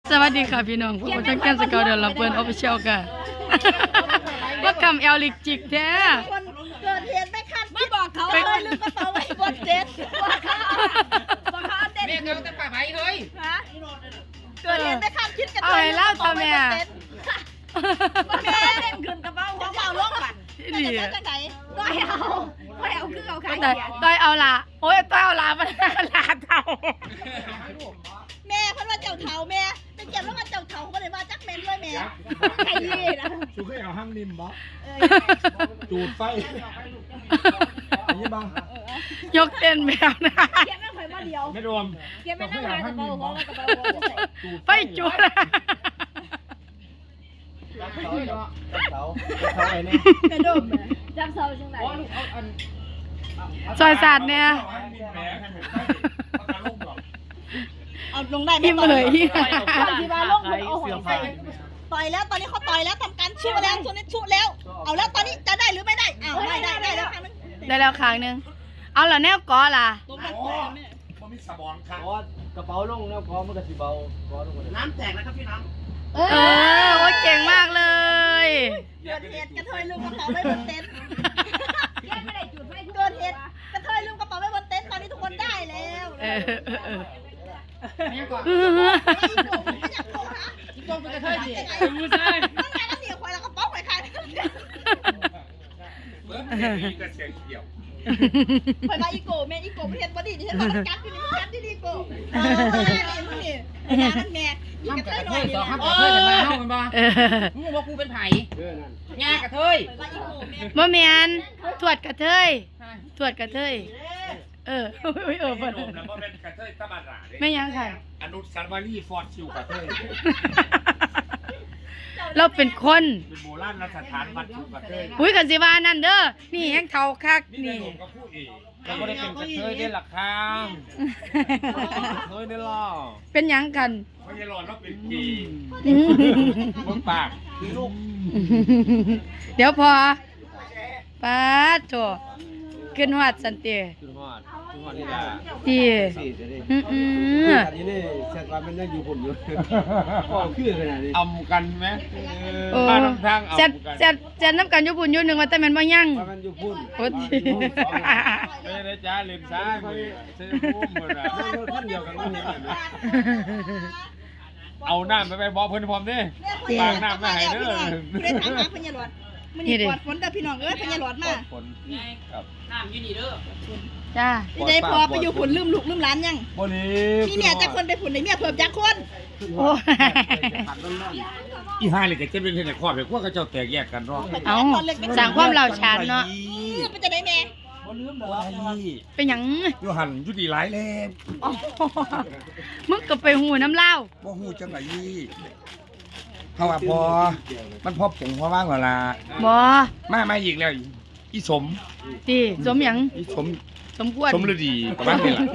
สวัสดีค่ะพี่น้องพวกเราทั้งแก้มสกาวเดอร์ลำเพิร์นออฟฟิเชียลค่ะว่าคำเอลลิกจิกแท้คนเกิดเหตุไม่คาดไม่บอกเขาเลยลืมกระเป๋าไว้บนเจ็ตบอกเขาเด็ดแม่เขาจะป่าไผ่เฮ้ยฮะเกิดเหตุไม่คาดคิดกันเอาให้เล่าทำไมอ่ะแม่เล่นขึ้นกระเป๋าของเบาลงบัดจะได้จังไหนก็เอาคือเอาขายต้อยเอาละโอ้ยต้อยเอาละมันลาเท่าแม่เพิ่นว่าเจ้าเฒ่าแม่ไปเก็บแล้วมาเจ้าเฒ่าก็เลยมาจักเมนด้วยแม่ไอ้ยี่นะชูเคยเอาห้างนิ่มบ่จูดไฟอันนี้บ้างยกเต้นแมวนะเก็บไม่เคยมาเดียวไม่รวมเก็บไม่นั่งหากระเป๋าของกระเป๋าไปจุดกระดมจับเสาจังไหนซอยศาสตร์เนี่ยเอาลงได้ไหมที่บ้านลงเอาหัวใส่ต่อยแล้วตอนนี้เขาต่อยแล้วทำการชุแล้วชุแล้วเอาแล้วตอนนี้จะได้หรือไม่ได้อ้าวได้แล้วครั้งนึงได้แล้วครั้งนึงเอาแล้วแนวก้อล่ะมันมีสมองค่ะกระเป๋าลงแล้วพอมันก็สิเบาน้ำแตกนะครับพี่น้องโอ้เก่งมากเลยเกิดเหตุกระเทยลืมกระเป๋าไว้บนเต็นท์เกิดเหตุกระเทยลืมกระเป๋าไว้บนเต็นท์ตอนนี้ทุกคนได้แล้วนี่ก่อนตรงไปกระเทยดิไม่ใช่นั่นไงแล้วเหนียวควายแล้วกระเป๋าควายใครเบิร์ดมีกระเสียงเกี่ยวควายมาอีโก้แม่อีโก้ประเทศบดีดิฉันบอกมันกัดที่นี่มันกัดที่นี่โก้นี่มันแม่น้ำกระเทยสองข้ามกระเทยจะมาเข้ากันบ้างมึงบอกกูเป็นไผ่งากระเทยบ่แม่นตรวจกระเทยตรวจกระเทยเพิ่นเป็นกระเทยตะบันหลาไม่ยังค่ะอนุสาวรีย์ฟอร์ดชิวกระเทยเราเป็นคนเป็นโบราณสถานวัดชิวกระเทยอุ้ยกันสิว่านั่นเด้อนี่แห้งเท่าคักนี่ก็พูดเองเราก็ได้เป็นกระเทยได้หลักคางเฮ้ยได้ล่อเป็นยังกันไม่ใช่หลอนเราเป็นกีมึงปากลูกเดี๋ยวพอป้าโถขึ้นหอดสันเตียขึ้นหอดนี่ล่ะดีอันนี้นี่แซดว่ามันยังอยู่ผมอยู่ก็คือขนาดนี้อำกันไหมบ้านทางจะน้ำกันอยู่ปุ่นอยู่หนึ่งว่าแต่มันบ่ยั่งมันอยู่พุ่นโอ้ยไม่ได้จ้าเล่นซ้ายเส้นพุ่มหมดอ่ะท่านเดียวกันไม่เห็นเลยเอาน้ำไปบอกเพื่อนพร้อมดิปากน้ำมาให้เด้อได้ถามหาพญาหลอดมันนี่ปอดฝนเด้อพี่น้องพญาหลอดมาฝนครับน้ำอยู่นี่เด้อจ้าพี่ได้พอไปอยู่ฝุ่นลืมลูกลืมหลานยังบ่นี้มีเมียจักคนไปฝุ่นได้เมียเพิ่มจักคนโอ้อีห่าเลยก็จะเป็นในครอบครัวก็เจ้าแตกแยกกันเนาะเอาสั่งความเหล่าชานเนาะเป็นจะได้แม่บ่ลืมดอกเป็นหยังอยู่หันอยู่ดีหลายแลงมึงก็ไปหูน้ำเล่าบ่ฮู้จังได๋เฮาว่าพอมันพอผงพอว่างแล้วล่ะบ่มาอีกแล้วอีสมติสมหยังอีสมควรสมฤดีประมาณนี้ล่ะ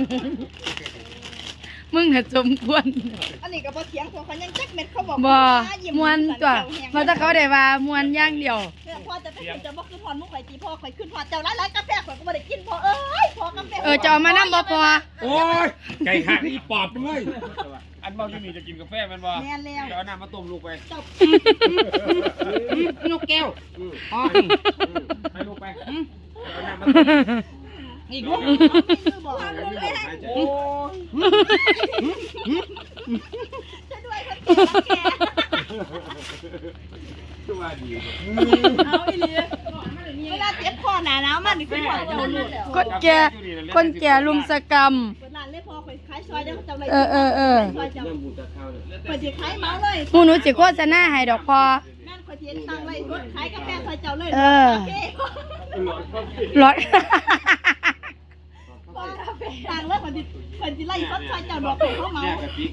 มึงน่ะสมควรอันนี้ก็บ่เถียงพวกเขายังจักเม็ดเขาบอกบ่มวนตัวมาถ้าเขาได้ว่ามวนอย่างเดียวพ่อจะไปจะบ่คือพรมุกไข่ตีพ่อไข่ขึ้นพอเจ้าหลายๆกาแฟข่อยก็บ่ได้กินพ่อเอ้ยพ่อกาแฟจะเอามานำบ่พอโอ้ยไก่หักอีปอบด้วยอันเมาอยู่นี่จะกินกาแฟมันบ่แม่นแล้วจะเอาน้ำมาต้มลูกไปนกแก้วอ๋อให้ลูกไปเอาน้ำมาอีกลูกโอ้จะด้วยคนแก่ตัวดีเอาอีหลีเวลาเจ็บคอหนาหนาวมันนี่คือพอเจ้าลูกคนแก่ลุมสกรรมร้านเล่พอข่อยขายซอยได้เจ้าเลยซอยเจ้าข่อยสิขายเมาเลยหนูสิโฆษณาให้ดอกพอนั่นข่อยสิตั้งไว้ขายกาแฟซอยเจ้าเลยรถต่างเลยคนที่ไล่ซัดซอยเจ้าดอกเขาเมา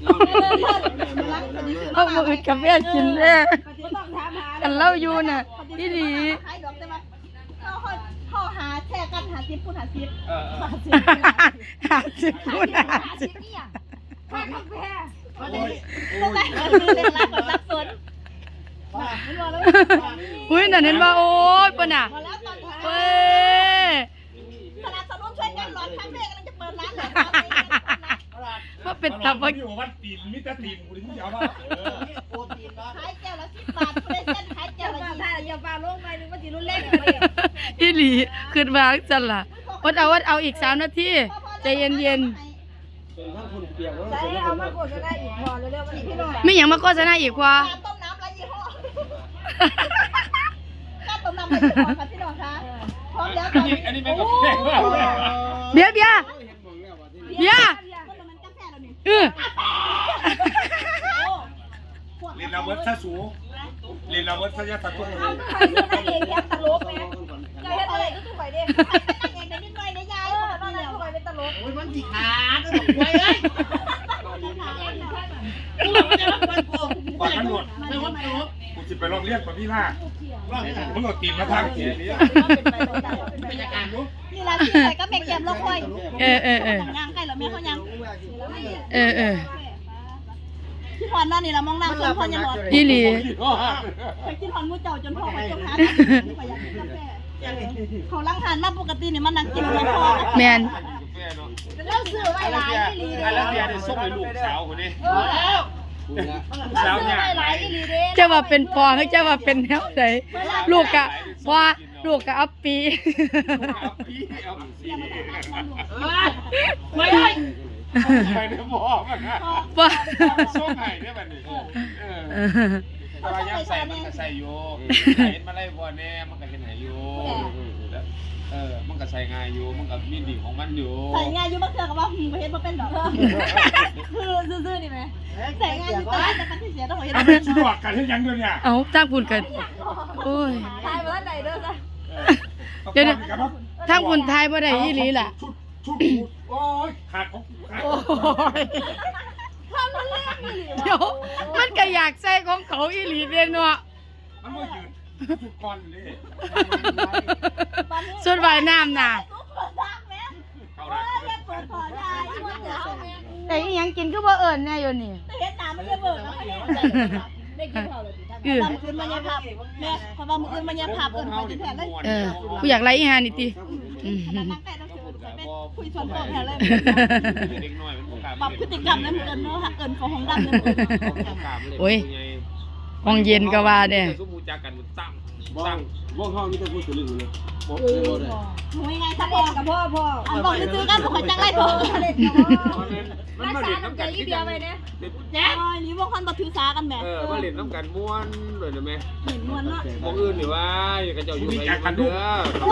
เอามาอึดกาแฟกินแน่กันเล่าอยู่น่ะพี่ดีขายดอกได้ไหมเขาหาแช่กันหาซิปพูดหาซิปพูดเนี่ยค่ากาแฟต้องได้เล่นร้านก่อนรับสนอุ้ยนั่นเห็นว่าโอ๊ยปะน่ะเว้ยสนับสนุนช่วยกันหลอดคาเฟ่กำลังจะเปิดร้านแล้วมาเป็นตาบ่อยู่วัดตีนมิตรตีนกูถึงจะเอาว่าขายแก้วละ10 บาทผู้ได้เส้นขายแก้วละ20อย่าปาลงไปนึงว่าสิรุนแรงอีหลีขึ้นมาจังล่ะอดเอาอีก3นาทีใจเย็นใจเอามาโฆษณาอีกพอเร็วๆวันนี้พี่น้องๆมีหยังมาโฆษณาอีกพอต้มน้ำไรยี่ห้อก้าต้มน้ำไรยี่ห้อค่ะพี่น้องคะพร้อมแล้วตอนนี้อันนี้เป็นกาแฟว่าเบียร์มันกาแฟแล้วนี่เรียนเราเวิร์ดซะสูเรียนเราเวิร์ดซะยะตะตุ้งเอาไปเองยักษ์ตลกไงใจเฮ็ดอะไรก็ถูกไปเด้เองในนิดหน่อยในยายนั่นแหละถูกไปเป็นตลกโอ้ยมันสิขาดต้องไว้เลยกูไม่ได้รับมันกูก่อนตำรวจไม่ว่าตลกกูจะไปลองเรียกกับพี่ล่ามึงเอาตีนมาทางเขียนนี้เป็นอาการรู้นี่ละที่ใส่ก็แม่แก้มลงค่อยเออย่างใกล้แล้วแม่เขาย่าง พี่พรนั่นนี่ละมองน้ำจนพ่อยังหลอดอีหลีไปกินพรมูเจ้าจนพ่อไปจมหาไปอยากกินกาแฟเขาล้างทานมาปกตินี่มันนั่งกินไม่พอแมนเล่าซื้อไว้หลายอีหลีเด้แล้วเบียร์เนี่ยส่งให้ลูกสาวคนนี้แล้วเล่าซื้อไว้หลายอีหลีเด้จะว่าเป็นพอหรือจะว่าเป็นแนวไหนลูกกะพอลูกกะอัปปีไม่ได้ไปในหม้อมันนะว่าส่งให้ได้บัดนี้แต่ว่ายังใส่มันก็ใส่อยู่เห็นมาไล่บ่แน่มันก็เห็นให้อยู่มันก็ใส่ง่ายอยู่มันก็มีดีของมันอยู่ใส่งานอยู่มาเถื่อกับว่าไปเฮ็ดมาเป็นดอกคือซื่อๆนี่ไหมใส่งานอยู่แต่มันที่เสียต้องเฮ็ดเอาเป็นชุดดอกกันให้ยังเดียวเนี่ยเอาจ้างพูนกันโอ้ยตายมาแล้วไหนเด้อจ้ะเดี๋ยวทางคุณทายบ่ได้อีหลีล่ะชุดโอ้ยขาดของขาดโอ้ยความรุนแรงอีหลีเดี๋ยวมันก็อยากใส่ของเขาอีหลีเด้เนาะมันบ่ยืนชุดก่อนเลยส่วนว่ายน้ำน่ะเปิดซักแม่เข้าเฮ้ละยเปิดขอได้ช่วยเดี๋ยวแม่แต่อีหยังกินก็บ่เอิ้นแน่อยู่นี่เฮ็ดน้ำมันจะเบิกแล้วได้กินข้าวเลยท่านมื้ออื่นมันยังภาพแม่เพราะว่ามื้ออื่นมันยังภาพเอิ้นไปที่แท้เลยกูอยากไล่อีหานี่ตินั่งใกล้ต้องคุยชวนโตแท้เลยเด็กน้อยมันบ่กล้าปรับพฤติกรรมในมื้ออื่นเนาะหักเอิ้นของดำในมื้ออื่นโอ้ยห้องเย็นก็ว่าเด้สมมุติจักกันตั้งบ้องห้องนี่ต้องพูดถึงเรื่องนี้บอกหนูยังไงถ้าพ่อกับพ่ออันบอกซื้อกันบ่ค่อยจังไล่โตเล่นกับพ่อมันมาเล่นน้ำกันที่เดียวไปเนี่ยแจ๊คนี่บ่คันบ่ถือสากันแหมมาเล่นน้ำกันม้วนเลยนะแม่เห็นนวลเนาะมองอื่นหรือว่าอย่างกระเจ้าอยู่ในกันเด้อ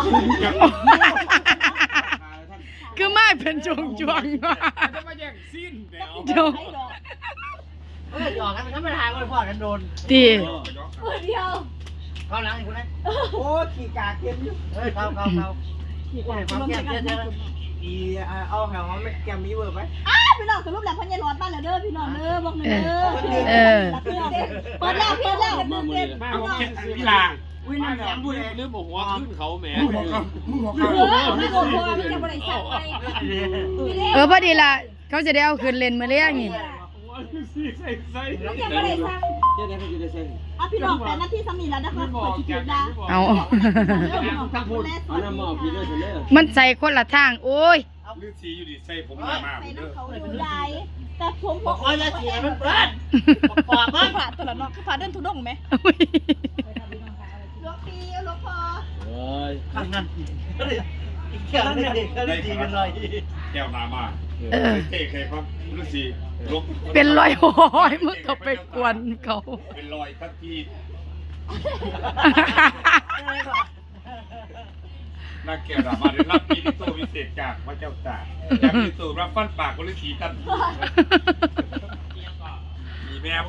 คือมาเป็นจวงๆว่ะจะมาแย่งสิ้นเดี๋ยวเดี๋ยวหยอกกันมันก็ไม่ทางเลยพ่อกันโดนติเดียวเข้าหลังอีกคนนั้นโอ้ขี่กาเก็บอยู่เฮ้ยเข้าความแก้มเยอะอีเอาแถวเขาไม่แกมีเวอร์ไหมพี่น้องสรุปแล้วพ่อใหญ่ร้อนบ้านแล้วเด้อพี่น้องเด้อบอกหน่อยเด้อเปิดแล้วมึงเต้นมาผมเก็บกีฬาอุ้ยน้ำแข็งบุ้ยเรื่องหัวขึ้นเขาแหมมึงบอกเขาไม่โกรธพ่อมันจะบ่ได้สั่งไปพอดีล่ะเขาจะได้เอาคืนเล่นมาเลี้ยงนี่มันจะบ่ได้สั่งเจ๊ได้เขาจะได้ใส่อ่ะพี่น้อง8นาทีซ้ำนี่แล้วนะคะขอคิดๆนะเอาทั้งพูดเอาน้ำมาพี่เลยเสร็จแล้วมันใส่คนละทาง โอ้ยลือสีอยู่ดิใส่ผมมาใส่น้ำเขาอยู่ได้แต่ผมบอกว่าจะเสียมันเปิดปอกมันผ่าตัวละเนาะผ่าเดินทุดงไหมหลวงพี่หลวงพ่อเฮ้ยข้างนั้นแก้วเด็กก็ดีกันเลยแก้วนามาเท่ใครครับลือสีลบเป็นรอยโอ้ยมึงก็ไปกวนเขาเป็นรอยทักทีนักแก้วนามาได้รับปีนิโตวิเศษจากพระเจ้าตากจากนิโตรับฟันปากคนลือสีกันมีแมว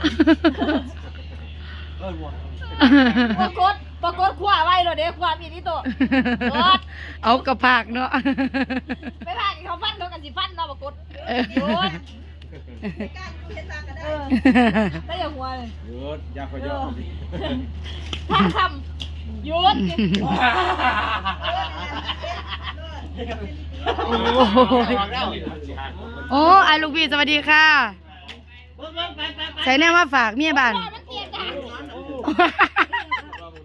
ปรากฏขวาไว้เลยเด้ขวาพี่นี่ตัวเอากระพากเนาะไปพาเขาฟันเขากันสิฟันเนาะปรากฏได้อย่าหัวเลยหยุดยาขยอทางคำหยุดโอ้ไอ้ลูกพี่สวัสดีค่ะ ใส่แน่มาฝากเมียบ้าน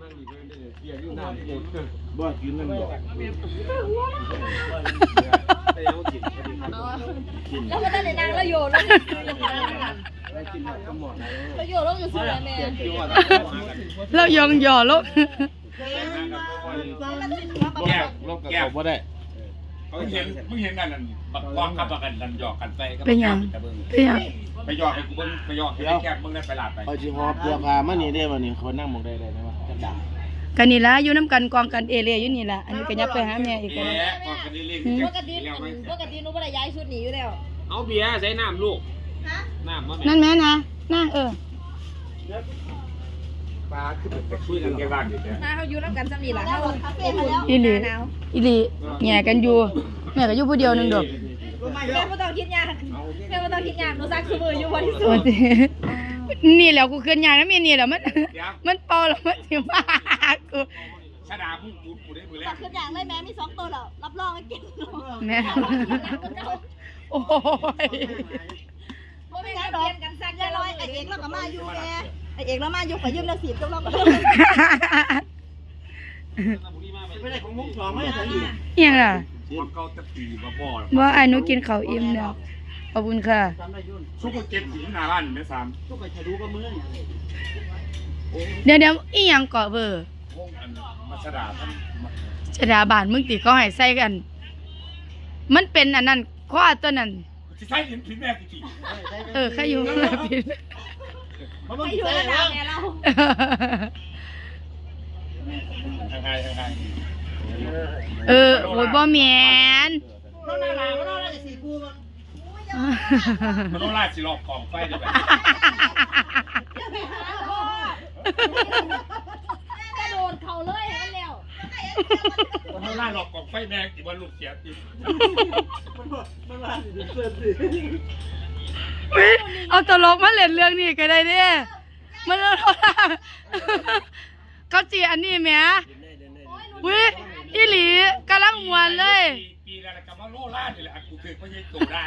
บ่กินนั่นบ่แต่ยังบ่กินแล้วก็ได้ในนางแล้วโยนแล้วได้กินหมดก็หมดแล้วแล้วโยนแล้วอยู่ซื้อแม่เรายองหย่อลูกแก้ลบแก้บ่ได้มึงเห็นกันนั่นบักกองกับบักกันนั่นหยอกกันไปก็เป็นหยังไปหยอกให้กูเบิ่งไปหยอกให้แก้มึงได้ไปลาดไปเอาสิหอบเสื้อผ้ามานี่ได้บ่นี่เขานั่งหมองได้ไหมวะจังดังกันนี่ละอยู่น้ำกันกองกันเอเรียอยู่นี่ละอันนี้ก็ยับไปหาแม่อีกเอ๊แล้วะกองกันเรื่อยๆปกติหนูไม่ได้ย้ายชุดหนีอยู่แล้วเอาเบียร์ใส่น้ำลูกฮะน้ำมานั่นแม่นะนั่งปลาคือไปคุยกันแค่บ้านอยู่เนี่ยมาเขาอยู่น้ำกันสามีหลังเขาคาเฟ่มาแล้วอีหลีอีหลีแง่กันอยู่แม่ก็อยู่ผู้เดียวหนึงดอกแม่ไม่ต้องคิดยากแม่ไม่ต้องคิดยากหนูซักซื้อมืออยู่วันที่สุโอ้ดยนี่แหล้วกูขึ้นยางน้ำเมียนี่แหล้วมันเป่าแล้วมันสิมากูชะดาพุ่งกูได้มือแรซักกขึ้นอย่างเลยแม่มี2 ตัวแล้วรับรองให้กินแม่โอ้ยว่าไม่งั้นดอกกันซักยายร้อยไอเอกเราก็มาอยู่แม่ไอเอกเรามาอยู่ขอยืมแล้ว10กับเราก็ไม่ได้ของมุกสองไม่ได้อีกเอียงล่ะมันเกาตะปีมาบ่อว่าไอ้หนูกินข้าวอิ่มแล้วขอบคุณค่ะจำได้ยุ่นซุกก็เก็บถึงหน้าบ้านอยู่ในสามทุกคนจะรู้ก็มือเดี๋ยวอีหยังเกาะเบอร์วงอันมาชะดาท่านชดาบานมึงติก็ให้ใส่กัน มันเป็นอันนั้นข้อตัวนั้นสิใส่หินผิดแม่กูจีใครอยู่ข้างหลังผิดมันต้องไม่อยู่ใส่ระดัแล้บวแม่เราใครโอ้ยบ่แม่นน้องนาลาน้องนาลาจะสีกูมันมันต้องลาดสิรอบกองไฟได้แบบกระโดดเขาเลยให้มันเร็วมันต้องลาดรอบกองไฟแม่ติว่าลูกเสียติมันลาสิเสื้อสิอุ๊ยเอาตลกมาเล่นเรื่องนี้ก็ได้เด้มันเขาจีอันนี้แหมอุ้ยอีหลีกำลังมวนเลยปีละกับว่าโลลาดนี่แหละกูถือไม่ใช่โตได้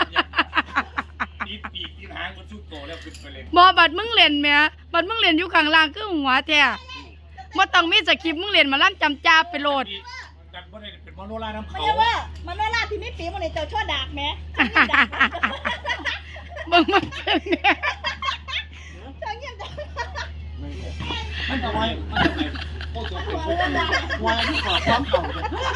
ปีกหางมันชุดโตแล้วขึ้นไปเลยบ่บัดมึงเล่นแหมบัดมึงเล่นอยู่ข้างล่างคือหัวแท้บ่ต้องมีสคริปต์มึงเล่นมาลั่นจำจ้าไปโลดกันบ่ได้เป็นมโนราน้ำมันเขาเรียกว่ามันว่าลาที่ไม่ปีมันเลยเจ้าชั่วดากแม่มึงมันเป็นแหมเจ้าเงียบจังมันทำไมโอ้ตัวเป็นพวกวายที่ขอความเก่า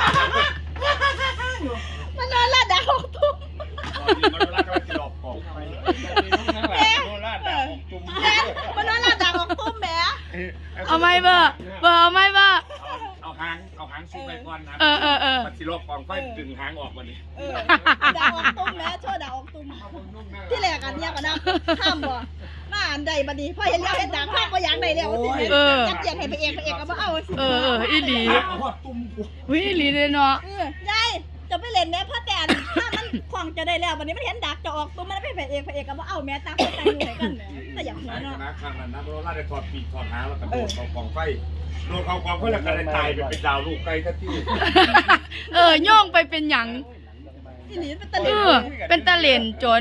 มันนอนลาดาหกทุ่มมโนราก็จะหลอกของไปมโนราด่าของจุ่มมันนอนลาดาหกทุ่มแม่เอาไหมเบอร์เอาไหมเบอร์เอาหางซุกไปก่อนนะเออมันสิหลอกของไฟดึงหางออกวันนี้ดาหกทุ่มแม่ชั่วดาหกทุ่มที่แรกอันเนี้ยก็นะห้ามบ่มาอันใดบัดนี้พอเห็นแล้วเห็นดาข้าก็อยากได้แล้วสิอยากเจียนให้พระเอกก็บ่เอาสิอีหลีตุ้มกูอุ้ยอีหลีเลยเนาะยายจะไปเล่นแม่พ่อแต่ถ้ามันคล่องจะได้แล้ววันนี้มันเห็นดักจะออกตัวมันไม่เป็นพระเอกก็บ่เอาแม่ตามคนใจอยู่ให้กันแต่อยากหัวนะเนาะครั้งนั้นนะมโนราได้ถอดปีกถอดหางแล้วก็โดดเข้ากองไฟโดดเข้ากองไฟแล้วก็ได้ตายเป็นดาวลูกไก่ทันทีโย่องไปเป็นหยังอีหลีเป็นตะเอลิงเป็นตะเหลนจน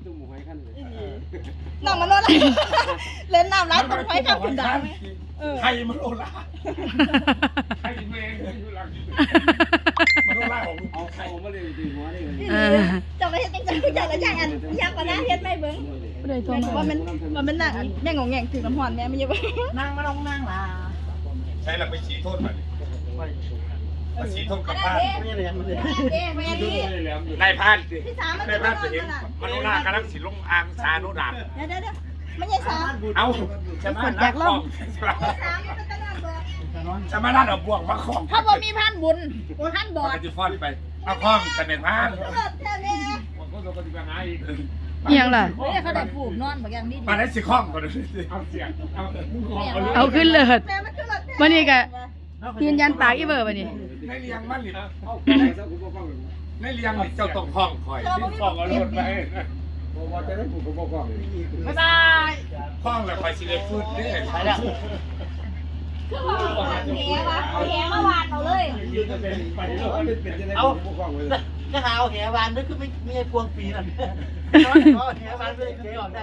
น้องมันโดนเล่นน้ำร้านต้องไฟข้ามคุณดาวไหมใครมโนราใครแม่งอยู่หลังมโนราของลูกเอาใครเขามาเลยตีหัวนี่อีหลีจะไปเฮ็ดจังจังจังแล้วจังอันอยากกว่านะเฮ็ดไม่เบิ่งบ่ได้โทรแม่มาว่ามันนั่งแม่งงแงงถือน้ำหอนแม่ไม่เยอะนั่งมาลงนั่งล่ะใช้เราไปชี้โทษมันมาชี้โทษกับบ้านไม่เรียนมันเลยแม่ดีนายพานสิพี่สามมันนายพานจะเห็นมโนรากำลังสิลงอ่างชาโนดาบเดี๋ยวไม่ใช่สามเอาจะมานักของสามมันเป็นตลาดบ่จะมานัดเอาบ่วงมาของถ้าบ่มีพันบุญพันบอดมันจะฟ้อนไปเอาข้องแต่เป็นพานเลิศแท้แม่มันก็จะปฏิบัติงานอีกเอียงล่ะเฮ้ยเขาได้ฟูกนอนบางอย่างนี้มาได้สิข้องก่อนเลยเอาเสียงเอามึงข้องเอาเลยเอาขึ้นเลิศแม่มันคือเลิศวันนี้ก็ยืนยันปากอีเบอร์บัดนี้ในเลี้ยงมันหรือเอาเจ้ากูบอกว่าในเลี้ยงเจ้าต้องข้องคอยข้องเอารถไปบอกจะได้กูก็บอกว่าบ๊ายบายข้องแล้วคอยสิได้ฟืดเด้ไปแล้วคือว่าเอาแหมาวานเอาเลยเอาบอกเลยก็หาเอาแหวานนึกคือไม่ใช่พวงปีนั่นน้อยขอแหวานไม่ได้เก๋ออกได้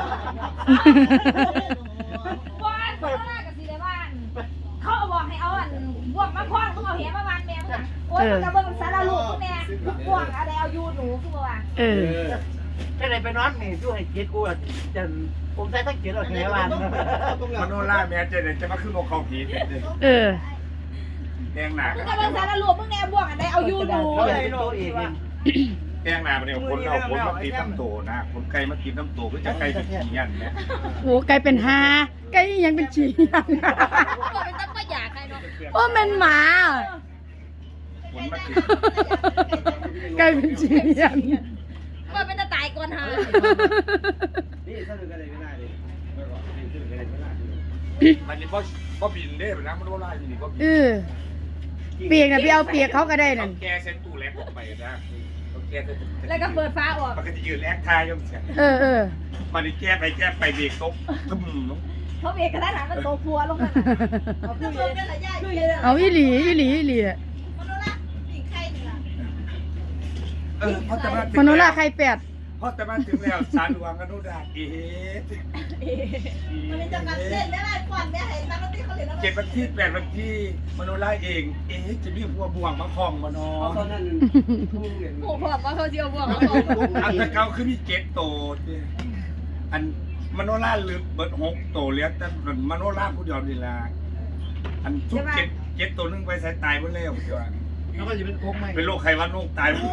บ้านเขาหน้ากับสีในบ้าน เขาบอกให้เอาอันบวกมาคว้างต้องเอาเหมาวานแมวโอ้ยมันจะเบิ่งสารลูกแม่พวกอะไรเอายูหนูคือว่าเออแค่ไหนไปนอนนี่ช่วยเกียรติกูจะผมใช้ทั้งเกียรติเราแค่วันมโนราแม่เจเดจะมาขึ้นโมเขาผีเออแดงหนามึงกำลังสารรวมมึงแนวบวกอะไรเอายูหนูเขาเลยโตเองแดงหนาเนี่ยคนเอาคนมาตีน้ำโตนะคนไก่มากินน้ำโตก็จะไก่เป็นขี้ยันเนี่ยโหไก่เป็นหาไก่ยังเป็นฉี่ยังเป็นตั้งประหยัดใครเนาะโอ้แมันหมาคนมากินไก่เป็นฉี่ยังว่าเป็นตาตายก่อนหานี่ถ้าดูกันเลยไม่ได้เลยนี่ดูกันเลยไม่ได้มันนี่ก็บินได้แบบนั้นมันว่าไล่นี่ก็บินเออเปียกน่ะไปเอาเปียกเขาก็ได้นั่นแกเซ็นตู้แลกออกไปนะแกแล้วก็เปิดฟ้าออกมันก็จะยืนแลกทายยังเสียเออมันนี่แก้ไปเบรกตกตึ้มเขาเบรกกระทันหันมันโตพัวลงมาเอาคือเลยเป็นไรย่าคือเลยเอาอีหลีอะมโนราปีกไข่นี่ล่ะเพราะแต่ว่ามโนราไข่แปดเพราะแต่ว่าถึงแล้วสารหลวงอนุดามันจะกันเล่นได้ไหมก่อนแม่เห็นนักดนตรีเขาเล่นแล้ว 7 วันที่ 8 วันที่มโนราเองจะมีหัวบ่วงมาคล้องมาเนาะตอนนั้นผู้เรียนโอ้โหบอกว่าเขาเจียวบวกแล้วอันตะเกาคือมี7 โตอันมโนราลืมเบิด6 โตเหลือแต่มโนราผู้เดียวนี่ล่ะอันทุก7 ตัวนึงไปใส่ตายหมดแล้วเดี๋ยวแล้วก็จะเป็นโค้งไหมเป็นโรคไขหวัดนกตายหมด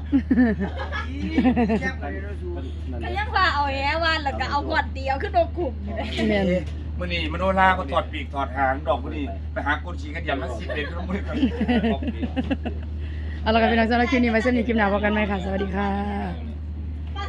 ก็ยังว่าเอาแหวันแล้วก็เอาก่อนเดียวขึ้นโดนกลุ่มอยู่เลยแม่นมื้อนี้มโนราก็ถอดปีกถอดหางดอกมื้อนี้ไปหาคนขี่กันยันมา10 เดือนมื้อนี้เอาละกันพี่น้องสำหรับคลิปนี้ไว้สำหรับคลิปหน้าพบกันใหม่ค่ะ สวัสดีค่ะ